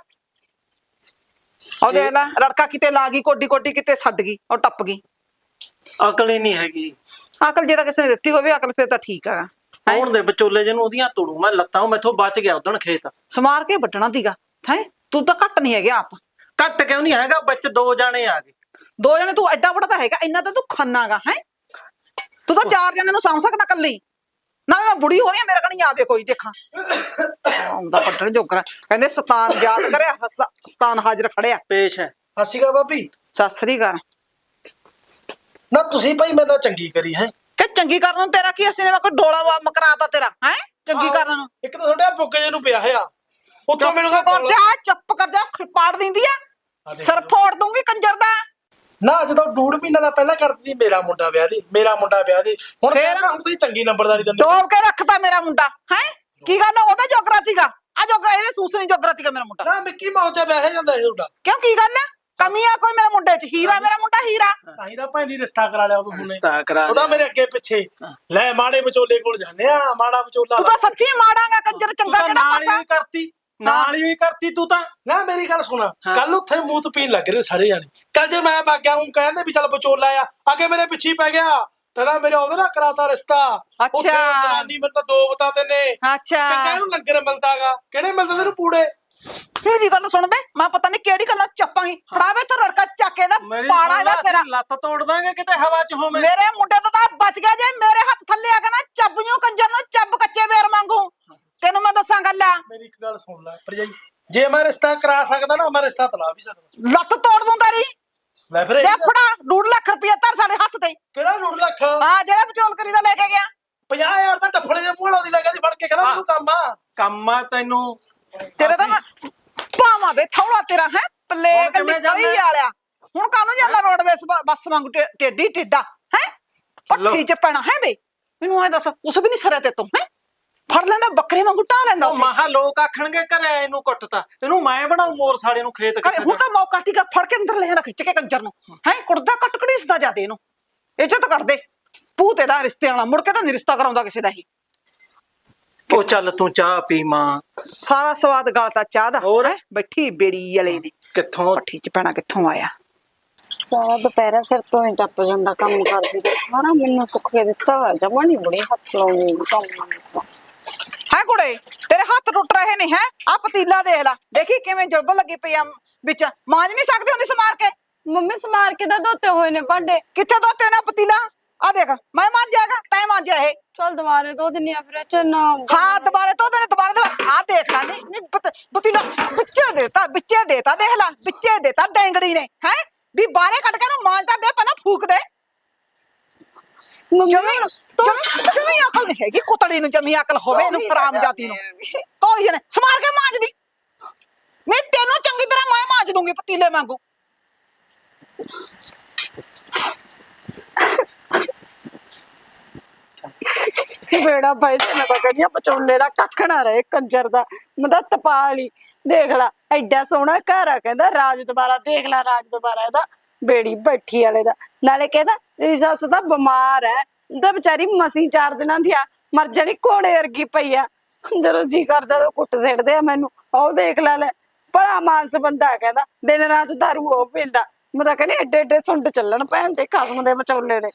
ਉਹ ਦੇਖ ਲੈ, ਰੜਕਾ ਕਿਤੇ ਲਾ ਗਈ, ਕੋਡੀ ਕੋਡੀ ਕਿਤੇ ਛੱਡ ਗਈ, ਉਹ ਟੱਪ ਗਈ। ਅਕਲ ਹੀ ਨਹੀਂ ਹੈਗੀ। ਅਕਲ ਜੇ ਤਾਂ ਕਿਸੇ ਨੇ ਦਿੱਤੀ ਹੋਵੇ ਅਕਲ, ਫਿਰ ਤਾਂ ਠੀਕ ਹੈਗਾ। ਕੌਣ ਦੇ ਵਿਚੋਲੇ ਜਿਹਨੂੰ ਉਹਦੀਆਂ ਤੋੜੂ ਮੈਂ ਲੱਤਾਂ? ਮੈਥੋਂ ਬਚ ਗਿਆ ਉਦਣ ਖੇਤ। ਸਮਾਰ ਕੇ ਵੱਢਣਾ ਤੀਗਾ ਹੈ। ਤੂੰ ਤਾਂ ਘੱਟ ਨਹੀਂ ਹੈਗੇ ਆਪ। ਘੱਟ ਕਿਉਂ ਨਹੀਂ ਹੈਗਾ? ਵਿੱਚ 2 ਜਾਣੇ ਆ ਗਏ। 2 ਜਣੇ? ਤੂੰ ਐਡਾ ਵੱਡਾ ਤਾਂ ਹੈਗਾ, ਇੰਨਾ ਤਾਂ ਤੂੰ ਖਾਨਾਗਾ ਹੈ। ਤੂੰ ਤਾਂ 4 ਜਣੇ ਨੂੰ ਸਾਂਭ ਸਕਦਾ ਕੱਲੀ। ਨਾਲੇ ਮੈਂ ਬੁੜੀ ਹੋ ਰਹੀ ਆ, ਮੇਰੇ ਕਣੀ ਆਵੇ ਕੋਈ ਦੇਖਾਂ ਆਉਂਦਾ ਪੱਟਣ ਜੋਗਰਾ। ਕਹਿੰਦੇ ਸਤਾਨ ਯਾਦ ਕਰਿਆ, ਸਤਾਨ ਹਾਜ਼ਰ ਖੜਿਆ। ਪੇਸ਼ ਹੈ। ਹਸੀਗਾ ਭਾਬੀ। ਸਤਿ ਸ੍ਰੀ ਅਕਾਲ। ਨਾ ਤੁਸੀਂ ਭਾਈ ਮੇਰੇ ਨਾਲ ਚੰਗੀ ਕਰੀ ਹੈ ਕਿ ਚੰਗੀ ਕਰਨ ਨੂੰ ਤੇਰਾ ਕੀ? ਅਸੀਂ ਨੇ ਕੋਈ ਡੋਲਾ ਮਕਰਾਤਾ ਤੇਰਾ ਹੈ ਚੰਗੀ ਕਰਨ ਨੂੰ? ਇੱਕ ਤਾਂ ਤੁਹਾਡੇ ਪੁੱਕੇ ਜੇ ਨੂੰ ਪਿਆ ਹੋਇਆ, ਉੱਤੋਂ ਮੈਨੂੰ ਚੁੱਪ ਕਰ ਜਾ, ਖਿਲਪਾੜ ਦਿੰਦੀ ਆ। ਸਿਰ ਫੋੜ ਦੂੰਗੀ ਕੰਜਰ ਦਾ। ਨਾ ਜਦੋਂ 2.5 ਮਹੀਨਾ ਦਾ ਪਹਿਲਾਂ ਕਰਦੀ ਮੇਰਾ ਮੁੰਡਾ ਵਿਆਹ ਦੀ, ਮੇਰਾ ਮੁੰਡਾ ਵਿਆਹ ਦੀ। ਹੁਣ ਫੇਰ ਹੁਣ ਤੁਸੀਂ ਚੰਗੀ ਨੰਬਰਦਾਰੀ ਦਿੰਦੇ। ਡੋਬ ਕੇ ਰੱਖਤਾ ਮੇਰਾ ਮੁੰਡਾ ਹੈ। ਕੀ ਗੱਲ ਉਹਦਾ ਜੋਗਰਾ ਸੀਗਾ? ਆ ਜੋ ਗਏ ਨੇ ਸੂਸਣੀ ਜੋਗਰਾਤੀ ਮੇਰਾ ਮੁੰਡਾ। ਨਾ ਮਿੱਕੀ ਮਾਊਸ ਚ ਬਹਿ ਜਾਂਦਾ ਇਹ ਤੁਹਾਡਾ। ਕਿਉਂ ਕੀ ਗੱਲ ਹੈ? ਕਮੀ ਆ ਕੋਈ ਮੇਰੇ ਮੁੰਡੇ ਚ? ਹੀਰਾ ਮੇਰਾ ਮੁੰਡਾ ਹੀਰਾ। ਤਾਂ ਹੀ ਤਾਂ ਭੈਣ ਰਿਸ਼ਤਾ ਕਰਾ ਲਿਆ ਉਹਨੂੰ ਹੁਣੇ। ਰਿਸ਼ਤਾ ਕਰਾ ਉਹਦਾ ਲਿਆ। ਮੇਰੇ ਅੱਗੇ ਪਿੱਛੇ ਲੈ ਮਾੜੇ ਵਿਚੋਲੇ ਕੋਲ ਜਾਂਦੇ ਆ, ਮਾੜਾ ਵਿਚੋਲਾ ਤੂੰ ਤਾਂ ਸੱਚੀ ਮਾੜਾਂਗਾ ਕੰਜਰ, ਤੂੰ ਚੰਗਾ ਤਾਂ ਕਿਹੜਾ ਨਾਲ ਪਾਸਾ? ਹੀ ਕਰਤੀ, ਨਾਲ ਹੀ ਕਰਤੀ ਤੂੰ ਤਾਂ। ਨਾ ਮੇਰੀ ਗੱਲ ਸੁਣ, ਹਾਂ। ਕੱਲ ਉੱਥੇ ਮੂਤ ਪੀਣ ਲੱਗ ਰਹੇ ਸਾਰੇ ਜਾਣੇ। ਕੱਲ ਜੇ ਮੈਂ ਬਾਗਿਆ ਹੂੰ ਕਹਿੰਦੇ ਵੀ ਚੱਲ ਵਿਚੋਲਾ ਆ, ਅੱਗੇ ਮੇਰੇ ਪਿੱਛੇ ਹੀ ਪੈ ਗਿਆ। ਤੇਰਾ ਮੇਰੇ ਉਹਦੇ ਨਾਲ ਕਰਾਤਾ ਰਿਸ਼ਤਾ। ਉੱਥੇ ਜਨਾਨੀ ਮੇਰੇ ਤਾਂ 2 ਬਤਾ ਤੇ ਨੇ। ਅੱਛਾ ਚੰਗਾ ਇਹਨੂੰ ਲੰਗਰ ਮਿਲਦਾਗਾ। ਕਿਹੜੇ ਮਿਲਦੇ ਤੈਨੂੰ ਪੂੜੇ? ਮੇਰੀ ਗੱਲ ਸੁਣ ਬੇ, ਮੈਂ ਪਤਾ ਨਹੀਂ ਕਿਹੜੀ ਗੱਲਾਂ ਚੱਪਾਂਗੀ। ਫੜਾਵੇ ਤੇ ਰੜਕਾ ਚੱਕੇ ਦਾ ਮੇਰੀ ਪਾੜਾ ਇਹਦਾ ਸੁਣ ਲੈ, ਸਿਰਾ। ਅਸੀਂ ਲੱਤ ਤੋੜ ਦਾਂਗੇ ਕਿਤੇ ਹਵਾ ਚ ਹੋਵੇਂ। ਮੇਰੇ ਮੁੰਡੇ ਤੋਂ ਤਾਂ ਬਚ ਗਿਆ। ਜੇ ਮੇਰੇ ਹੱਥ ਥੱਲੇ ਆ ਗਿਆ ਨਾ, ਚੱਬ ਜੂ ਕੰਜਰ ਨੂੰ, ਚੱਬ ਕੱਚੇ ਵੇਰ ਮੰਗੂ। ਤੈਨੂੰ ਮੈਂ ਦੱਸਾਂ ਗੱਲ ਆ। ਮੇਰੀ ਇੱਕ ਗੱਲ ਸੁਣ ਲੈ ਭਰਜਾਈ, ਜੇ ਮੈਂ ਰਿਸ਼ਤਾ ਕਰਾ ਸਕਦਾ ਨਾ, ਮੈਂ ਰਿਸ਼ਤਾ ਤਲਾ ਵੀ ਸਕਦਾ। ਲੱਤ ਤੋੜ ਦੂੰ ਤੇਰੀ। ਲੈ ਫਿਰ ਦੇ ਫੜਾ 2 ਲੱਖ ਰੁਪਇਆ ਧਰ ਸਾਡੇ ਹੱਥ ਤੇ। ਕਿਹੜਾ 2 ਲੱਖ? ਹਾਂ ਜਿਹੜਾ ਵਿਚੋਲ ਕਰੀ ਦਾ ਲੈ ਕੇ ਗਿਆ। 50,000 ਤਾਂ ਡੱਫਲੇ ਦੇ ਮੂਹਲੋਂ ਦੀ ਲੱਗਾ ਦੀ ਫੜ ਕੇ ਕਹਿੰਦਾ ਤੂੰ ਕੰਮ ਆ। ਕੰਮ ਆ ਤੈਨੂੰ। ਤੇਰੇ ਤਾਂ ਮੈਂ ਪਾਵਾਂ ਬੇ ਥੌੜਾ ਤੇਰਾ ਹੈ ਪਲੇਗ ਕਿਵੇਂ ਨਿਕਲੀ ਜਾਂਦਾ? ਵਾਲਿਆ। ਹੁਣ ਕਾਹਨੂੰ ਜਾਂਦਾ ਰੋਡਵੇਸ ਬੱਸ ਵਾਂਗੂ ਟੇਢੀ ਟੇਡਾ ਹੈ? ਪੱਠੀ ਚ ਪੈਣਾ ਹੈ ਬੇ? ਮੈਨੂੰ ਐ ਦੱਸ, ਉਸ ਵੀ ਨਹੀਂ ਸਰਿਆ ਤੇ ਤੂੰ ਹੈ? ਫੜ ਲੈਂਦਾ ਬੱਕਰੇ ਵਾਂਗੂ ਢਾ ਲੈਂਦਾ ਉਹ ਉੱਥੇ। ਮਹਾ ਲੋਕ ਆਖਣਗੇ ਘਰੇ ਇਹਨੂੰ ਕੁੱਟਤਾ, ਇਹਨੂੰ ਮੈਂ ਬਣਾਉ ਮੋਰ ਸਾਲੇ ਨੂੰ ਖੇਤ ਕਿਸੇ ਹੁਣ ਤਾਂ ਮੌਕਾ ਟੀਕਾ ਫੜ ਕੇ ਅੰਦਰ ਲੈ ਜਾਣਾ ਖਿੱਚ ਕੇ ਕੰਜਰ ਨੂੰ ਹੈ। ਕੁੜਦਾ ਕੱਟ ਕੜੀਸਦਾ ਜਾਦੇ ਇਹਨੂੰ। ਇੱਜ਼ਤ ਕਰਦੇ ਭੂਤ ਇਹਦਾ ਰਿਸ਼ਤੇ ਵਾਲਾ, ਮੁੜ ਕੇ ਤਾਂ ਨਹੀਂ ਰਿਸ਼ਤਾ ਕਰਾਉਂਦਾ ਕਿਸੇ ਦਾ ਹੀ। ਉਹ ਚੱਲ ਤੂੰ ਚਾਹ ਪੀ ਮਾਂ। ਸਾਰਾ ਸਵਾਦ ਗਾਲਤਾ ਚਾਹ ਦਾ। ਹੋਰ? ਹੈਂ? ਬੈਠੀ ਬੇੜੀ ਵਾਲੇ ਦੀ ਕਿੱਥੋਂ ਪੱਠੀ ਚ ਪੈਣਾ ਕਿੱਥੋਂ ਆਇਆ? ਸਾਰਾ ਦੁਪਹਿਰਾ ਸਿਰ ਤੋਂ ਹੀ ਟੱਪ ਜਾਂਦਾ ਕੰਮ ਕਰਦੀ ਤੇ ਸਾਰਾ ਮੈਨੂੰ ਸੁੱਖ ਕੇ ਦਿੱਤਾ ਹੋਇਆ ਜਮਾ ਨਹੀਂ ਬੜੀ ਹੱਥ ਲਾਉਂਦੀ ਕੰਮ। ਹੈ ਕੁੜੇ ਤੇਰੇ ਹੱਥ ਟੁੱਟ ਰਹੇ ਨੇ ਹੈ? ਆ ਪਤੀਲਾ ਦੇਖ ਲੈ, ਦੇਖੀ ਕਿਵੇਂ ਜੁਲਬ ਲੱਗੀ ਪਈ ਆ ਵਿੱਚ। ਮਾਂਜ ਨਹੀਂ ਸਕਦੀ ਹੁੰਦੀ ਸਮਾਰ ਕੇ? ਮੰਮੀ ਸਮਾਰ ਕੇ ਤਾਂ ਧੋਤੇ ਹੋਏ ਨੇ ਭਾਂਡੇ। ਕਿੱਥੇ ਧੋਤੇ ਨਾ ਪਤੀਲਾ? ਆ ਦੇਖ ਮੈਂ ਮਾਂਜਿਆਗਾ, ਤੈਂ ਮਾਂਜਿਆ ਇਹ। ਚਲ ਦੁਬਾਰੇ ਧੋ ਦਿੰਨੀ ਆ ਫਿਰ ਚੰਨਾ। ਹਾਂ ਦੁਬਾਰੇ ਧੋ ਦੇਣੇ, ਦੁਬਾਰੇ ਆ ਦੇਖ ਲੈ। ਨਹੀਂ ਪਤੀਲਾ ਵਿੱਚੇ ਦੇਤਾ ਦੇਖ ਲੈ, ਵਿੱਚੇ ਦੇਤਾ ਡੈਂਗੜੀ ਨੇ ਹੈ ਵੀ ਬਾਹਰੇ ਕੱਢ ਕੇ ਨੂੰ ਮਾਂਜਦਾ ਦੇ, ਪਹਿਲਾਂ ਫੂਕ ਦੇ। ਜਮੀ ਅਕਲ ਨਹੀਂ ਹੈਗੀ ਕੁਤੜੀ ਨੂੰ, ਜਮੀ ਅਕਲ ਹੋਵੇ ਇਹਨੂੰ ਹਰਾਮ ਜਾਤੀ ਨੂੰ। ਤੋਈ ਨੇ ਸਮਾਰ ਕੇ ਮਾਂਜਦੀ। ਮੈਂ ਤੈਨੂੰ ਚੰਗੀ ਤਰ੍ਹਾਂ ਮੈਂ ਮਾਂਜ ਦੂੰਗੀ ਪਤੀਲੇ ਵਾਂਗੂ। ਬੇੜਾ ਭਾਈ ਮੈਂ ਤਾਂ ਕਹਿੰਦੀ ਆ ਵਿਚੋਲੇ ਦਾ ਕੱਖ ਨਾ ਰਹੇ ਕੰਜਰ ਦਾ। ਮਦਾ ਤਪਾਲੀ ਦੇਖ ਲਾ, ਐਡਾ ਸੋਹਣਾ ਘਰ ਆ, ਕਹਿੰਦਾ ਰਾਜ ਦੁਬਾਰਾ ਦੇਖ ਲਾ, ਰਾਜ ਦੁਬਾਰਾ ਇਹਦਾ ਬੇੜੀ ਬੈਠੀ ਵਾਲੇ ਦਾ। ਨਾਲੇ ਕਹਿੰਦਾ ਤੇਰੀ ਸੱਸ ਤਾਂ ਬਿਮਾਰ ਹੈ, ਤਾਂ ਵਿਚਾਰੀ ਮਸੀਂ 4 ਦਿਨਾਂ ਦੀ ਆ, ਮਰ ਜਾਣੀ ਘੋੜੇ ਵਰਗੀ ਪਈ ਆ। ਜਦੋਂ ਜੀ ਕਰਦਾ ਤਾਂ ਕੁੱਟ ਸਿੱਟਦੇ ਆ ਮੈਨੂੰ। ਉਹ ਦੇਖ ਲੈ ਬੜਾ ਮਾਨਸ ਬੰਦਾ, ਕਹਿੰਦਾ ਦਿਨ ਰਾਤ ਦਾਰੂ ਉਹ ਪੀਂਦਾ। ਮੈਂ ਤਾਂ ਕਹਿੰਦੀ ਐਡੇ ਐਡੇ ਸੁੰਡ ਚੱਲਣ ਭੈਣ ਤੇ ਖਸਮ ਦੇ ਵਿਚੋਲੇ ਦੇ।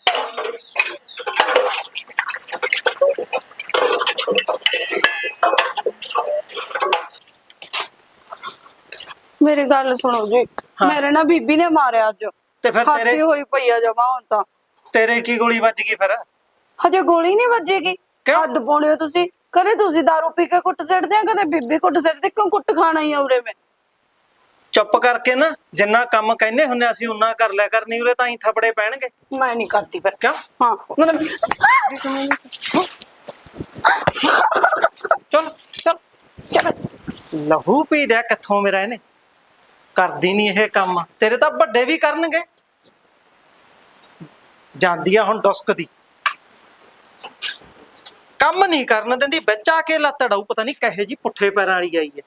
ਮੇਰੀ ਗੱਲ ਸੁਣੋ ਜੀ, ਮੇਰੇ ਨਾ ਬੀਬੀ ਨੇ ਮਾਰਿਆ ਅੱਜ। ਤੇ ਫਿਰ ਖਾਤੀ ਹੋਈ ਪਈ ਆ ਜਮਾ ਹੁਣ ਤਾਂ। ਤੇਰੇ ਕੀ ਗੋਲੀ ਵੱਜ ਗਈ ਫਿਰ? ਹਜੇ ਗੋਲੀ ਨਹੀਂ ਵੱਜੇਗੀ। ਕਿਉਂ? ਹੱਦ ਪਾਉਣੇ ਹੋ ਤੁਸੀਂ। ਕਦੇ ਤੁਸੀਂ ਦਾਰੂ ਪੀ ਕੇ ਕੁੱਟ ਸਿੱਟਦੇ ਆ, ਕਦੇ ਬੀਬੀ ਕੁੱਟ ਸਿੱਟਦੀ। ਕਿਉਂ ਕੁੱਟ ਖਾਣਾ ਹੀ ਆ ਉਰੇ ਮੈਂ? ਚੁੱਪ ਕਰਕੇ ਨਾ ਜਿੰਨਾ ਕੰਮ ਕਹਿੰਦੇ ਹੁੰਦੇ ਅਸੀਂ ਉਨਾ ਕਰ ਲਿਆ ਕਰਨੀ, ਉਰੇ ਤਾਂ ਹੀ ਥਪੜੇ ਪੈਣਗੇ। ਮੈਂ ਨਹੀਂ ਕਰਦੀ ਫਿਰ। ਕਿਉਂ? ਹਾਂ ਮਤਲਬ ਚਲ ਚਲ ਚਲ ਲਹੂ ਪੀ ਦਿਆ ਕਿੱਥੋਂ ਮੇਰਾ ਇਹਨੇ। ਕਰਦੀ ਨਹੀਂ ਇਹ ਕੰਮ, ਤੇਰੇ ਤਾਂ ਵੱਡੇ ਵੀ ਕਰਨਗੇ। ਜਾਂਦੀ ਆ ਹੁਣ ਡੁਸਕਦੀ, ਕੰਮ ਨਹੀਂ ਕਰਨ ਦਿੰਦੀ, ਵਿੱਚ ਆ ਕੇ ਲੱਤ ਅੜਾਊ। ਪਤਾ ਨਹੀਂ ਕਹੇ ਜੀ ਪੁੱਠੇ ਪੈਰਾਂ ਵਾਲੀ ਆਈ ਹੈ।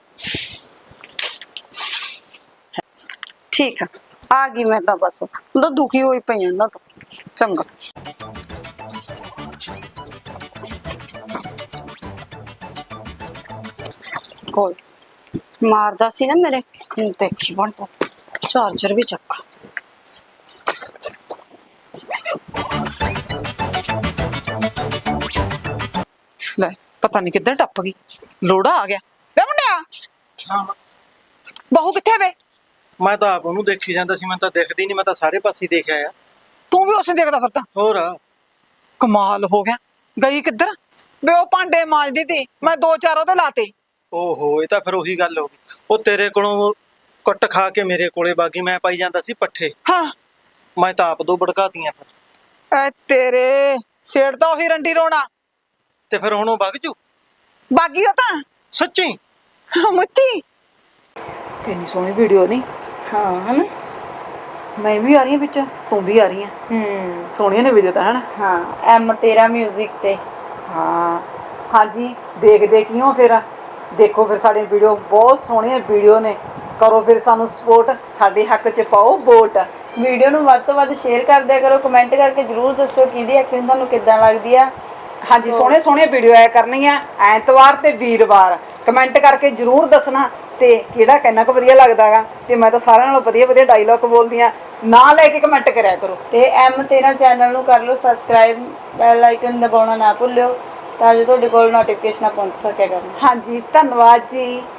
ਠੀਕ ਆ ਗਈ ਮੈਂ ਤਾਂ, ਬਸ ਹੁਣ ਤਾਂ ਦੁਖੀ ਹੋਈ ਪਈ ਆ ਨਾ। ਚੰਗਾ ਕੋਲ ਮਾਰਦਾ ਸੀ ਨਾ ਮੇਰੇ, ਹੁਣ ਦੇਖੀ ਬਣਦਾ। ਚਾਰਜਰ ਵੀ ਚੱਕ। ਲੈ ਪਤਾ ਨਹੀਂ ਕਿੱਧਰ ਟੱਪ ਗਈ। ਲੋੜਾ ਆ ਗਿਆ ਵੇ ਮੁੰਡਿਆ। ਹਾਂ ਬਹੂ ਕਿੱਥੇ ਵੇ? ਮੈਂ ਤਾਂ ਆਪ ਉਹਨੂੰ ਦੇਖੀ ਜਾਂਦਾ ਸੀ, ਮੈਂ ਤਾਂ ਦਿਖਦੀ ਨਹੀਂ, ਮੈਂ ਤਾਂ ਸਾਰੇ ਪਾਸੇ ਦੇਖਿਆ ਆ। ਤੂੰ ਵੀ ਉਸੇ ਦੇਖਦਾ ਫਿਰਦਾ? ਹੋਰ ਕਮਾਲ ਹੋ ਗਿਆ। ਗਈ ਕਿੱਧਰ ਵੇ? ਉਹ ਭਾਂਡੇ ਮਾਂਜਦੀ ਤੀ, ਮੈਂ 2-4 ਉਹਦੇ ਲਾਤੇ। ਓਹੋ, ਇਹ ਤਾਂ ਫਿਰ ਉਹੀ ਗੱਲ ਹੋ ਗਈ। ਉਹ ਤੇਰੇ ਕੋਲੋਂ ਕੁੱਟ ਖਾ ਕੇ ਮੇਰੇ ਕੋਲੇ ਬਾਗੀ, ਮੈਂ ਪਾਈ ਜਾਂਦਾ ਸੀ ਪੱਠੇ। ਹਾਂ ਮੈਂ ਤਾਂ ਆਪ 2 ਭੜਕਾਤੀਆਂ ਫਿਰ। ਐ ਤੇਰੇ ਸੇੜ ਤਾਂ ਉਹੀ ਰੰਡੀ ਰੋਣਾ। ਤੇ ਫਿਰ ਹੁਣ ਉਹ ਵਗ ਜੂ ਬਾਗੀ ਉਹ ਤਾਂ ਸੱਚੀ। ਮੁੱਤੀ। ਕਿੰਨੀ ਸੋਹਣੀ ਵੀਡੀਓ ਨਹੀਂ? ਹਾਂ ਹਨਾ। ਮੈਂ ਵੀ ਆ ਰਹੀ ਹਾਂ ਵਿੱਚ, ਤੂੰ ਵੀ ਆ ਰਹੀ ਹੈ। ਸੋਹਣੀਆਂ ਨੇ ਵੀਡੀਓ ਤਾਂ ਹਨਾ। ਹਾਂ ਐਮ ਤੇਰਾ ਮਿਊਜ਼ਿਕ ਤੇ। ਹਾਂ ਹਾਂਜੀ ਦੇਖਦੇ ਕਿਉਂ ਫਿਰ? ਦੇਖੋ ਫਿਰ ਸਾਡੀ ਵੀਡੀਓ ਬਹੁਤ ਸੋਹਣੀਆਂ ਵੀਡੀਓ ਨੇ, ਕਰੋ ਫਿਰ ਸਾਨੂੰ ਸਪੋਰਟ, ਸਾਡੇ ਹੱਕ 'ਚ ਪਾਓ ਵੋਟ। ਵੀਡੀਓ ਨੂੰ ਵੱਧ ਤੋਂ ਵੱਧ ਸ਼ੇਅਰ ਕਰ ਦਿਆ ਕਰੋ, ਕਮੈਂਟ ਕਰਕੇ ਜਰੂਰ ਦੱਸਿਓ ਕਿਹਦੀ ਐਕਟਿੰਗ ਤੁਹਾਨੂੰ ਕਿੱਦਾਂ ਲੱਗਦੀ ਆ। ਹਾਂਜੀ, ਸੋਹਣੇ ਸੋਹਣੇ ਵੀਡੀਓ ਆਇਆ ਕਰਨੀਆਂ ਐਤਵਾਰ ਤੇ ਵੀਰਵਾਰ। ਕਮੈਂਟ ਕਰਕੇ ਜਰੂਰ ਦੱਸਣਾ ਤੇ ਕਿਹੜਾ ਕਿੰਨਾ ਕੁ ਵਧੀਆ ਲੱਗਦਾਗਾ। ਤੇ ਮੈਂ ਤਾਂ ਸਾਰਿਆਂ ਨਾਲੋਂ ਵਧੀਆ ਵਧੀਆ ਡਾਇਲੌਗ ਬੋਲਦੀ ਆ, ਨਾਂ ਲੈ ਕੇ ਕਮੈਂਟ ਕਰਿਆ ਕਰੋ। ਤੇ M13 ਚੈਨਲ ਨੂੰ ਕਰ ਲਓ ਸਬਸਕ੍ਰਾਈਬ, ਬੈਲ ਆਈਕਨ ਦਬਾਉਣਾ ਨਾ ਭੁੱਲਿਓ ਤਾਂ ਜੋ ਤੁਹਾਡੇ ਕੋਲ ਨੋਟੀਫਿਕੇਸ਼ਨ ਪਹੁੰਚ ਸਕਿਆ ਕਰਨ। ਹਾਂਜੀ, ਧੰਨਵਾਦ ਜੀ।